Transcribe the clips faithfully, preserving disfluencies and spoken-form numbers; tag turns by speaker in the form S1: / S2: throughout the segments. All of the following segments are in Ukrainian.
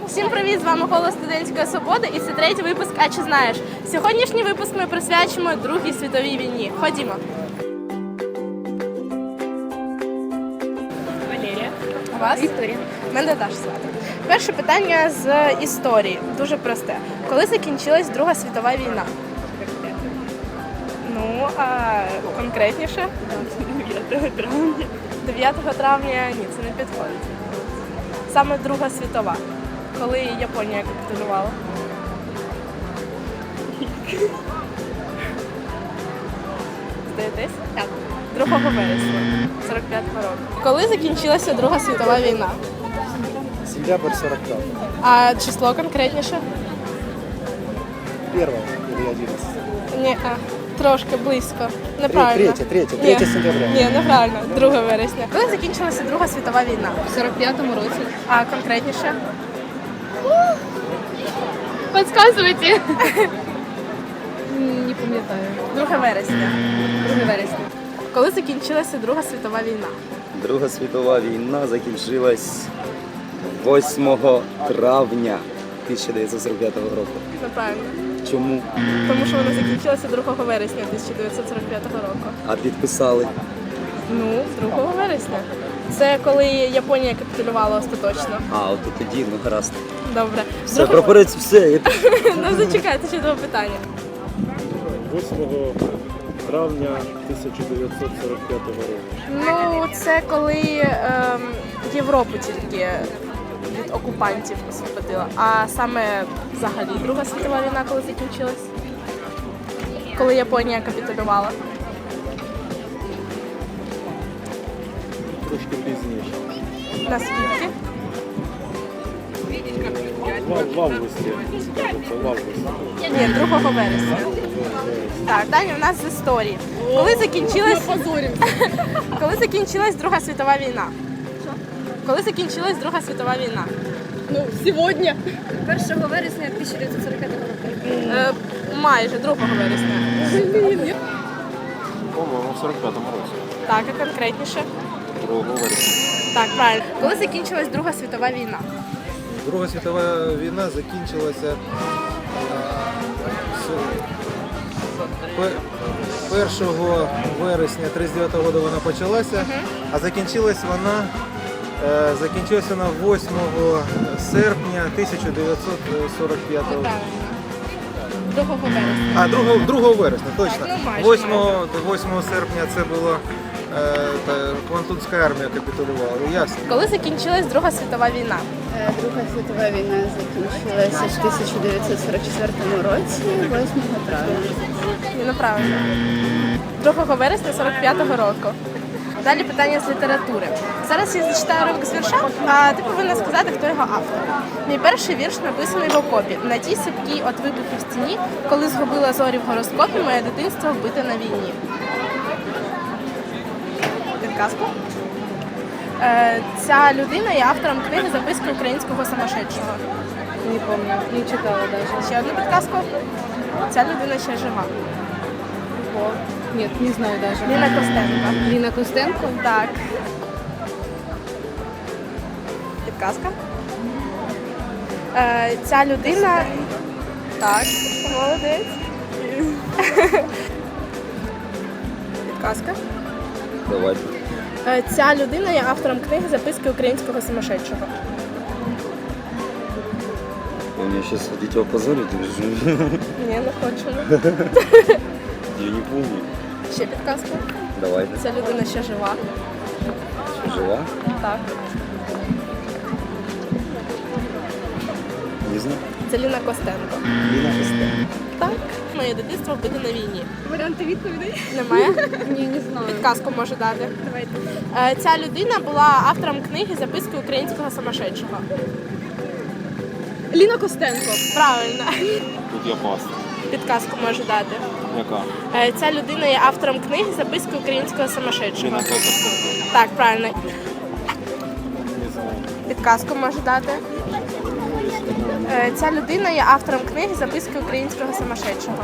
S1: Всім привіт! З вами Голос Студентської Свободи і це третій випуск «А чи знаєш?». Сьогоднішній випуск ми присвячимо Другій світовій війні. Ходімо!
S2: Валерія.
S1: У вас?
S2: Вікторія.
S1: Мене Даша звати. Перше питання з історії. Дуже просте. Коли закінчилась Друга світова війна? Ну, а конкретніше?
S2: дев'ятого травня.
S1: дев'ятого травня, ні, це не підходить. Саме Друга світова. Коли Японія капітулювала. Здаєтесь?
S2: Так.
S1: другого вересня сорок п'ятого року. Коли закінчилася Друга світова війна?
S3: Сентябрь сорок пятый.
S1: А число конкретніше?
S3: Первое или одиннадцатое?
S1: Ні, а, трошки близько. Неправильно.
S3: Третє, третє, третє
S1: Ні.
S3: сентября.
S1: Ні, неправильно. друге вересня. Коли закінчилася Друга світова війна?
S2: В сорок п'ятому році.
S1: А конкретніше?
S2: Підказуйте. Не пам'ятаю.
S1: друге вересня.
S2: друге вересня.
S1: Коли закінчилася Друга світова війна?
S4: Друга світова війна закінчилась восьмого травня тисяча дев'ятсот сорок п'ятого року.
S1: Неправильно.
S4: Чому?
S1: Тому що вона закінчилася другого вересня тисяча дев'ятсот сорок п'ятого року.
S4: А підписали?
S1: Ну, другого вересня. Це коли Японія капітулювала остаточно.
S4: А, от і тоді, ну гаразд.
S1: Добре.
S4: Все,
S1: Другого-
S4: прапорець, все. Я...
S1: Ну, зачекайте, ще два питання.
S5: восьмого травня тисяча дев'ятсот сорок п'ятого року.
S1: Ну, це коли ем, Європу тільки від окупантів освободила. А саме взагалі Друга світова війна, коли закінчилась? Коли Японія капітулювала.
S5: Трошки пізніше.
S1: Наскільки?
S5: В, в августі. Тобто в августі.
S1: Ні, другого вересня. Так, далі у нас з історії. Коли закінчилась... Коли закінчилась Друга світова війна? Коли закінчилась Друга світова війна?
S2: Ну, сьогодні. першого вересня тисяча дев'ятсот сорок п'ятого року.
S1: Е, майже другого вересня.
S5: По-моєму, в сорок п'ятому році.
S1: Так, а конкретніше?
S5: другого вересня.
S1: Так, правильно. Коли закінчилась Друга світова війна?
S6: Друга світова війна закінчилася е, з- пе- першого вересня тридцять дев'ятого року вона почалася, а закінчилась вона е, закінчилась вона восьмого серпня тисяча дев'ятсот сорок п'ятого року.
S1: Неправильно. Другого вересня.
S6: А, другого, другого вересня, точно.
S1: Так, ну, майже,
S6: восьмого, восьмого серпня це було е, та, Квантунська армія капітулювала. Ясно.
S1: Коли закінчилась Друга світова війна?
S7: Е, Друга світова війна закінчилася в тисяча дев'ятсот сорок четвертому році, восьмого травня.
S1: Ні, неправильно. другого вересня сорок п'ятого року. Далі питання з літератури. Зараз я зачитаю уривок з вірша, а ти повинна сказати, хто його автор. Мій перший вірш написаний в окопі. На тій сипкій от вибухів стіні, коли згубила зорі в гороскопі, моє дитинство вбите на війні. Підказку? Е, ця людина є автором книги «Записки українського самошедшого».
S2: Не пам'ятаю, не читала навіть.
S1: Ще одну підказку. Ця людина ще жива.
S2: Ні, не знаю навіть.
S1: Ліна Костенко.
S2: Ліна Костенко?
S1: Так. Підказка. Е, ця людина... Так, молодець. Підказка.
S4: Давайте.
S1: Е, ця людина є автором книги «Записки українського самошедшого».
S4: Вы меня сейчас хотите опозорить или что?
S1: Ні, не хочемо.
S4: Я не помню.
S1: Ще підказка.
S4: Давайте.
S1: Ця людина ще жива.
S4: Жива?
S1: Так.
S4: Не знаю.
S1: Це Ліна Костенко.
S4: Ліна Костенко.
S1: Так. Моє дитинство вбите на війні.
S2: Варіанти відповідей?
S1: Немає?
S2: Ні, не знаю.
S1: Підказку можу дати. Давайте. Ця людина була автором книги «Записки українського самошедшого».
S2: Ліна Костенко.
S1: Правильно.
S5: Тут я пас.
S1: Підказку можу дати.
S5: Яка?
S1: Е, Ця людина є автором книги «Записки українського самошедшого».
S5: Ліна Костенко.
S1: Так, правильно.
S5: Не знаю.
S1: Підказку можу дати. Е, Ця людина є автором книги «Записки українського самошедшого».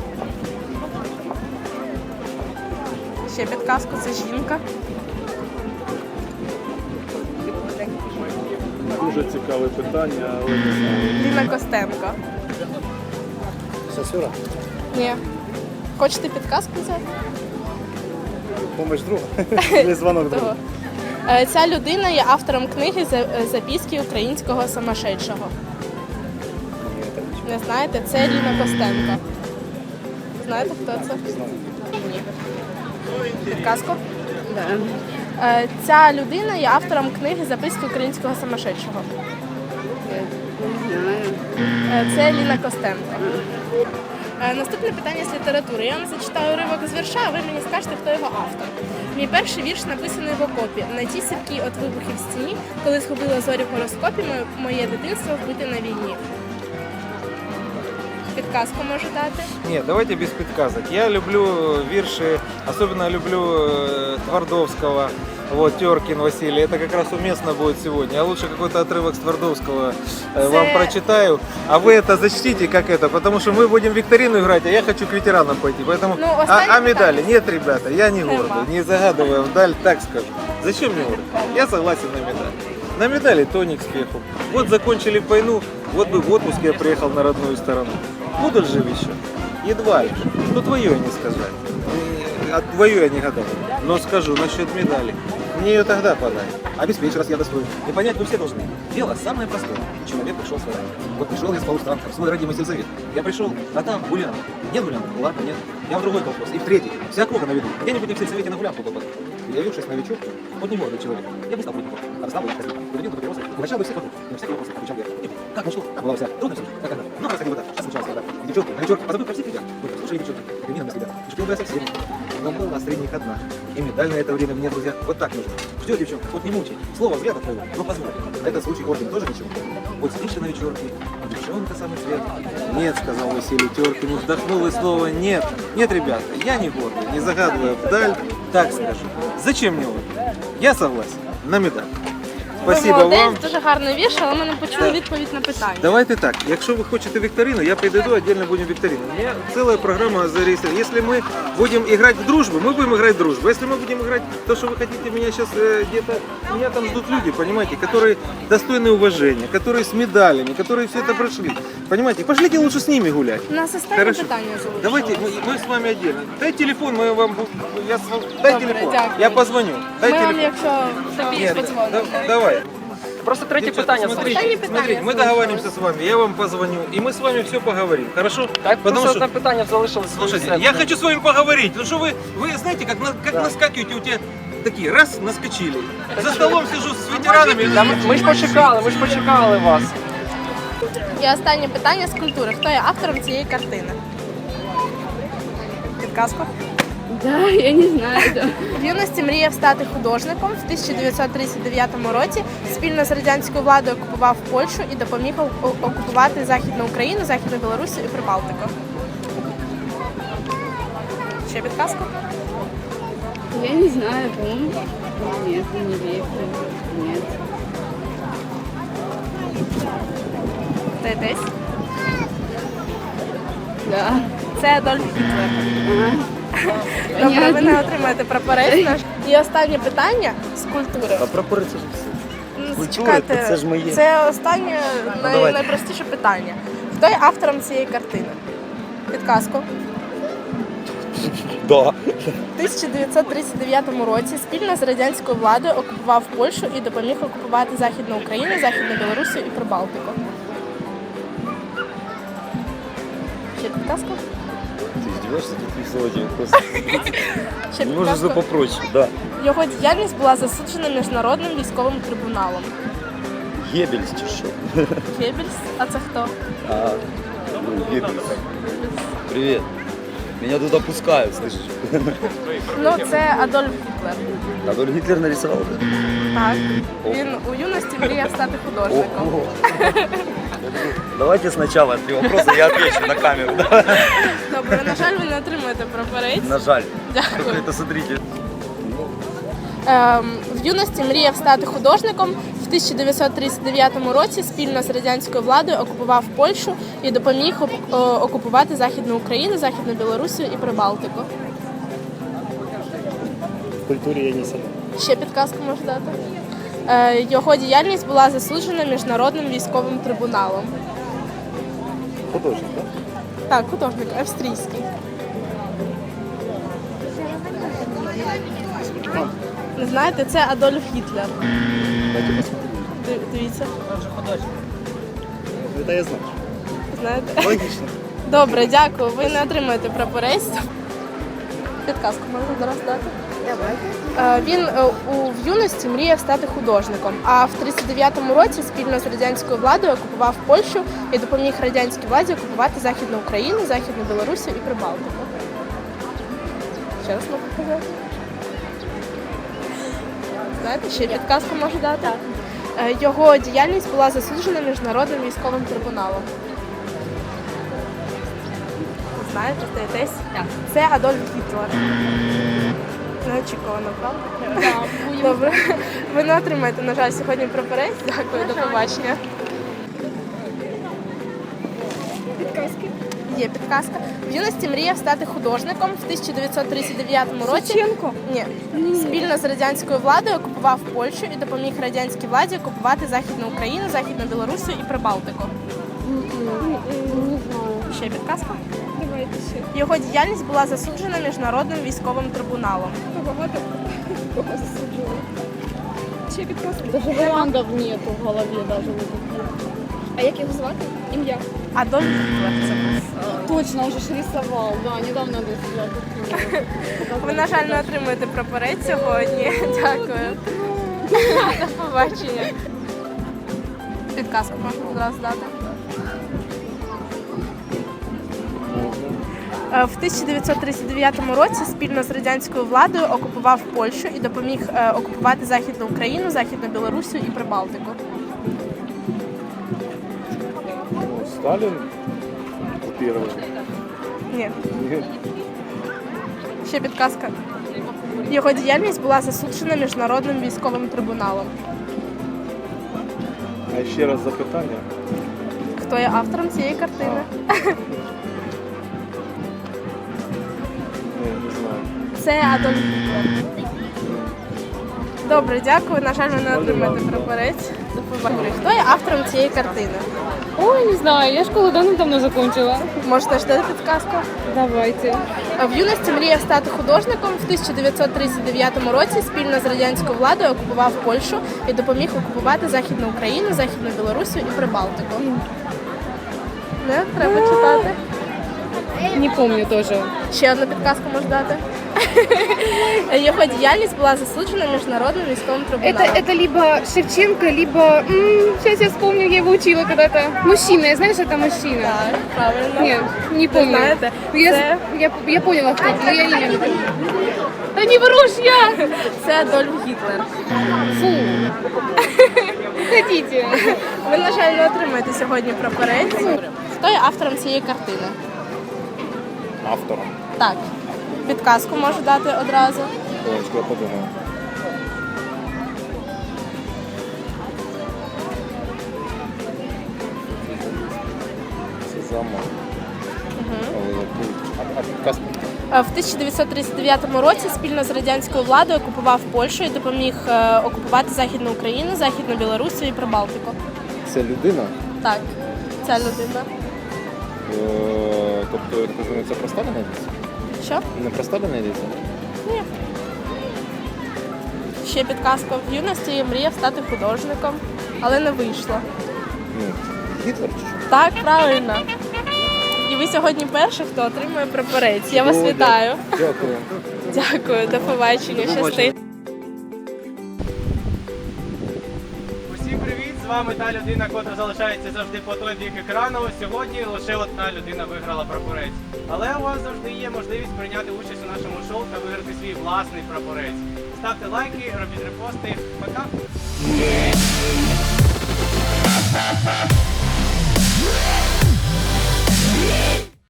S1: Ще підказку, це жінка.
S5: Дуже цікаве питання, але не знаю.
S1: Ліна Костенко.
S3: Сосюра.
S1: Ні. Хочете підказку взяти?
S3: Помощь друга. Или звонок
S1: Того.
S3: друга.
S1: Е, Ця людина є автором книги «За- «Записки українського сумасшедшого».
S3: Ні, это ничего.
S1: Не знаєте? Це Ліна Костенко. Знаєте, хто це?
S3: Знаю.
S1: Ні. Підказку?
S7: Да.
S1: Е, Ця людина є автором книги «Записки українського сумасшедшого».
S7: Я не знаю.
S1: Е, Це Ліна Костенко. Е, Наступне питання з літератури. Я вам зачитаю уривок з вірша, а ви мені скажете, хто його автор. Мій перший вірш написаний в окопі. На тій сіркій от вибухів в стіні, коли схопила зорі в гороскопі, моє- моє дитинство вбите на війні. Підказку можу дати.
S6: Нет, давайте без подсказок. Я люблю вирши, особенно люблю э, Твардовского, вот, Теркин Василий. Это как раз уместно будет сегодня. Я лучше какой-то отрывок с Твардовского э, вам
S1: Це-
S6: прочитаю, а вы это зачтите как это, потому что мы будем в викторину играть, а я хочу к ветеранам пойти. Поэтому...
S1: Ну,
S6: а,
S1: останнє
S6: а медали?
S1: питання.
S6: Нет, ребята, я не
S1: Нема.
S6: гордый, не загадывая вдаль, так скажу. Зачем мне гордый? Я согласен на медаль. На медали то не к спеху. Вот закончили войну, вот бы в отпуск я приехал на родную сторону. Буду ли жив еще? Едва ли. Ну твое я не сказать. И От твое я не гадал. Но скажу насчет медали. Мне ее тогда подай.
S8: Обеспечь, раз я достоин. И понять вы все должны. Дело самое простое. Человек пришел с войны. Вот пришел я с полустанка в свой родимый сельсовет. Я пришел, а там гулянка. Нет гулянки? Ладно, нет. Я в другой колхоз. И в третий. Вся округа на виду. Где-нибудь я в сельсовете на гулянку попаду. Явившись новичок, вот не молодой человек. Я бы стал путником. А стал бы я ходил. Поведил бы папиросы. И начал бы всех вокруг. На всякий вопрос отвечал я. Как ну что? Как была вся? Трудно все. Как она? Ну, происходило так. Что случалось тогда? И девчонки, новичок, позабыл про всех ребят. Вот, слушали девчонки. Примерно на себя. И шпил бы я со всеми. Но была среди них одна. И медаль на это время мне, друзья, вот так нужно. Ждет девчонка, вот не мучай. Слово взгляд отвоевал, но позволь. Этот случай орден тоже ничего. Вот сидишь ты на вечерке, а девчонка самый цвет.
S6: Нет, сказал Василий Теркин, вздохнул и снова нет. Нет, ребята, я не гордый, не загадывая вдаль, так скажу. Зачем мне он? Я согласен, на медаль.
S1: Ви
S6: Спасибо
S1: молодець,
S6: вам.
S1: дуже гарний вірш, але ми не почули
S6: Да.
S1: відповідь на питання.
S6: Давайте так, якщо ви хочете викторину, я придойду, отдельно будем викторину. У меня целая программа зарегистрирована. Если мы будем играть в дружбу, мы будем играть в дружбу. Если мы будем играть то, что вы хотите, меня сейчас э, где-то, меня там ждут люди, понимаете, которые достойны уважения, которые с медалями, которые все это прошли. Понимаете, пошлите лучше с ними гулять.
S1: У нас останнє
S6: Хорошо.
S1: питання залишилось.
S6: Давайте, мы, мы с вами отдельно. Дай телефон, мы вам, я, с вами- дай
S1: Добре,
S6: телефон,
S1: дякую.
S6: я позвоню. Дай
S1: Ми вам,
S6: телефон.
S1: якщо тобі
S6: Нет,
S1: подзвонимо.
S6: да- давай.
S9: Просто третє
S6: Девчата,
S9: питання
S6: смотрите,
S1: Останнє
S9: залишилось.
S1: питання
S6: смотрите, мы
S1: залишилось.
S6: договариваемся с вами, я вам позвоню, и мы с вами все поговорим, хорошо?
S9: Так,
S6: Потому
S9: просто
S6: что,
S9: одне питання залишилось.
S6: слушайте, я хочу с вами поговорить, ну что вы, вы знаете, как, на- как наскакиваете, у тебя такие, раз, наскочили. За столом сижу с ветеранами.
S9: Та ми, ми ж почекали, ми ж почекали вас.
S1: І останнє питання з культури. Хто є автором цієї картини? Підказку.
S7: Да, я не знаю. Да.
S1: В юності мріяв стати художником. В тисяча дев'ятсот тридцять дев'ятому році спільно з радянською владою окупував Польщу і допоміг о- окупувати Західну Україну, Західну Білорусію і Прибалтику. Ще підказку?
S7: Я не знаю, по-моему. Нет, не верю. Нет.
S1: Десь?
S7: Да.
S1: Це Адольф Гітлер.
S7: Ага.
S1: Добре, ви
S7: Понятно.
S1: не отримаєте прапорець наш. І останнє питання з культури.
S4: А прапори це ж все.
S1: Ну,
S4: Культури,
S1: чекайте,
S4: то це ж моє.
S1: Це останнє най-
S4: давайте.
S1: найпростіше питання. Хто є автором цієї картини? Підказку.
S4: Да.
S1: В тисяча дев'ятсот тридцять дев'ятому році спільно з радянською владою окупував Польщу і допоміг окупувати Західну Україну, Західну Білорусію і Прибалтику. Ще підказку?
S4: Ты издеваешься, такие слова тебе просто.
S1: Ще
S4: Не можешь
S1: підказку?
S4: попроще, да.
S1: Його діяльність була засуджена міжнародним військовим трибуналом.
S4: Геббельс чи що?
S1: Геббельс? А це хто?
S4: А, ну, Геббельс. Привет. Меня тут опускают, слышишь?
S1: Ну, це Адольф Гітлер.
S4: Адольф Гитлер нарисовал это?
S1: Так. Він у юності мріяв стати художником.
S4: Ого. Давайте сначала три вопроса, я отвечу на камеру.
S1: Добре, на жаль, ви не отримуєте прапорець.
S4: На жаль.
S1: Дякую.
S4: Это смотрите.
S1: Ем, в юності мріяв стати художником. В тисяча дев'ятсот тридцять дев'ятому році спільно з радянською владою окупував Польщу і допоміг оп- о, окупувати Західну Україну, Західну Білорусію і Прибалтику.
S3: В культуре я не силен.
S1: Ще підказку можу дати. Е, Його діяльність була засуджена міжнародним військовим трибуналом.
S3: Художник, так?
S1: Так, художник австрійський. Не знаєте, це Адольф Гітлер.
S3: Дайте посмотреть.
S1: Ди- Дивіться,
S3: Это я знаю.
S1: знаєте.
S3: Логично.
S1: Добре, дякую. Ви не отримаєте прапорець. Підказку можна зараз дати? Е, Він е, у в юності мріяв стати художником, а в тридцять дев'ятому році спільно з радянською владою окупував Польщу і допоміг радянській владі окупувати Західну Україну, Західну Білорусію і Прибалтику. Ще раз можу показати. Знаєте, ще підказку можу дати? Е, Його діяльність була засуджена міжнародним військовим трибуналом. Знаєте, здаєтесь? Це Адольф Гітлер. Неочікувано, правда? Добре. Ви не отримаєте, на жаль, сьогодні прапорець. Дякую, до побачення.
S2: Підказки.
S1: Є підказка. В юності мріяв стати художником. В тисяча дев'ятсот тридцять дев'ятому році
S2: Шевченко?
S1: Ні. Спільно з радянською владою окупував Польщу і допоміг радянській владі окупувати Західну Україну, Західну Білорусію і Прибалтику.
S2: Не знаю.
S1: Ще підказка.
S2: Давайте ще.
S1: Його діяльність була засуджена міжнародним військовим трибуналом.
S2: Багато кого засуджували. Ще підказки.
S7: Даже варіантів нету в голові даже.
S2: А як його звати? Ім'я?
S1: Адольф Гітлер це був.
S7: Точно, уже ж рисовал, да, недавно десь.
S1: Ви, на жаль, не отримуєте прапорець сьогодні. Дякую. До побачення. Підказку можна одразу дати. Е, В тисяча дев'ятсот тридцять дев'ятому році спільно з радянською владою окупував Польщу і допоміг е, окупувати Західну Україну, Західну Білорусію і Прибалтику.
S5: Ну, Сталин оккупировал.
S1: Ні,
S5: Нет.
S1: ще підказка. Його діяльність була засуджена міжнародним військовим трибуналом.
S5: А ще раз запитання.
S1: Хто є автором цієї картини?
S5: Не, не знаю.
S1: Це Адольф Гітлер. Добре, дякую. На жаль, ви не отримаєте прапорець. До побачення. Хто є автором цієї картини?
S2: Ой, не знаю, я школу давно-давно закончила.
S1: Можете ж дати підказку?
S2: Давайте.
S1: В юності мріяв стати художником. В тисяча дев'ятсот тридцять дев'ятому році спільно з радянською владою окупував Польщу і допоміг окупувати Західну Україну, Західну Білорусію і Прибалтику. Не? Треба читати.
S2: Не помню тоже.
S1: Ще одну підказку можна дати. Його діяльність була засуджена міжнародним військовим трибуналом.
S2: Это, это либо Шевченко, либо... м, сейчас я вспомню, я его учила когда-то. Мужчина, я знаю, что это мужчина.
S1: Так, правильно.
S2: Нет, не
S1: Ви
S2: помню.
S1: знаєте,
S2: Я,
S1: це,
S2: я, я поняла, кто это, но я имя не помню. Да не врушь я!
S1: це Адольф Гітлер.
S2: Фу. Хотите.
S1: Ви, на жаль, не отримаєте сьогодні прапорець. Хто є автором цієї картини?
S5: Автором.
S1: Так. Підказку можу дати одразу.
S5: Хвилиночку, я подумаю. Це замок. Але який? А, а підказка?
S1: Е, В тисяча дев'ятсот тридцять дев'ятому році спільно з радянською владою окупував Польщу і допоміг е, окупувати Західну Україну, Західну Білорусію і Прибалтику.
S5: Це людина?
S1: Так, ця людина.
S5: Е, Тобто, я так розумію, це про Сталіна йдеться?
S1: Що?
S5: Не про Сталіна йдеться?
S1: Ні. Ще підказка. В юності я мріяв стати художником, але не вийшло.
S5: Ну, Гітлер чи що?
S1: Так, правильно. І ви сьогодні перший, хто отримує прапорець. Я вас
S5: О,
S1: вітаю.
S5: Дякую.
S1: Дякую, до побачення. Щасти.
S10: Усім привіт! З вами та людина, котра залишається завжди по той бік екрану. Сьогодні лише одна людина виграла прапорець. Але у вас завжди є можливість прийняти участь у нашому шоу та виграти свій власний прапорець. Ставте лайки, робіть репости. Пока!